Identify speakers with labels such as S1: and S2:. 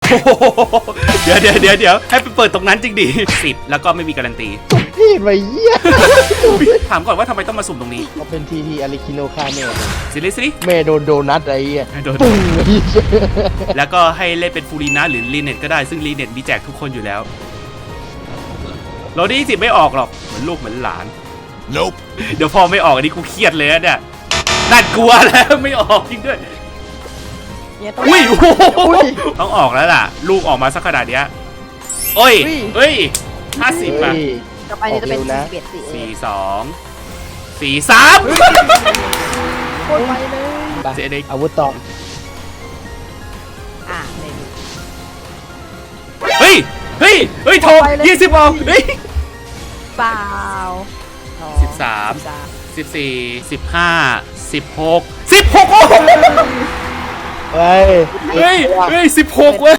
S1: เดี๋ยวให้ไปเปิดตรงนั้นจริงดิ10แล้วก็ไม่มีการันตี
S2: พี่ไปเยี่ย
S1: ถามก่อนว่าทำไมต้องมาสุ่มตรงนี้
S2: เขาเป็นทีอาริคิโนคาเน่
S1: ซิลิซิลิ
S2: แม่โดนโดนัทไอ้เหี้ย
S1: โดน
S2: ปุ้ง
S1: แล้วก็ให้เล่นเป็นฟูรีนะหรือรีเน็ตก็ได้ซึ่งรีเน็ตมีแจกทุกคนอยู่แล้วโรดี้10ไม่ออกหรอกเหมือนลูกเหมือนหลาน
S3: Nope
S1: เดี๋ยวพอไม่ออกอันนี้กูเครียดเลยนะเนี่ยน่ากลัวแล้วไม่ออกจริงด้วย
S4: เนี่ยต้อง
S1: อุ้ยต้องออกแล้วล่ะลูกออกมาสักขนาดเนี้ยโอ้ยเฮ้ย50อ่ะ
S4: ต่อไปเนี่ยจะเป็น
S2: ออกเร็วนะ
S4: 41
S1: 4 2 4 3
S4: โคตรไวเลย
S2: ไป
S1: เจ๊เด็ก
S2: อาวุธต่อ
S4: เลย
S1: เฮ้ยโทร20ออกเฮ้ย
S4: เปล่า
S1: 13 14 15 16 16โอ้
S2: เฮ้ย
S1: เฮ้ย16เว้ย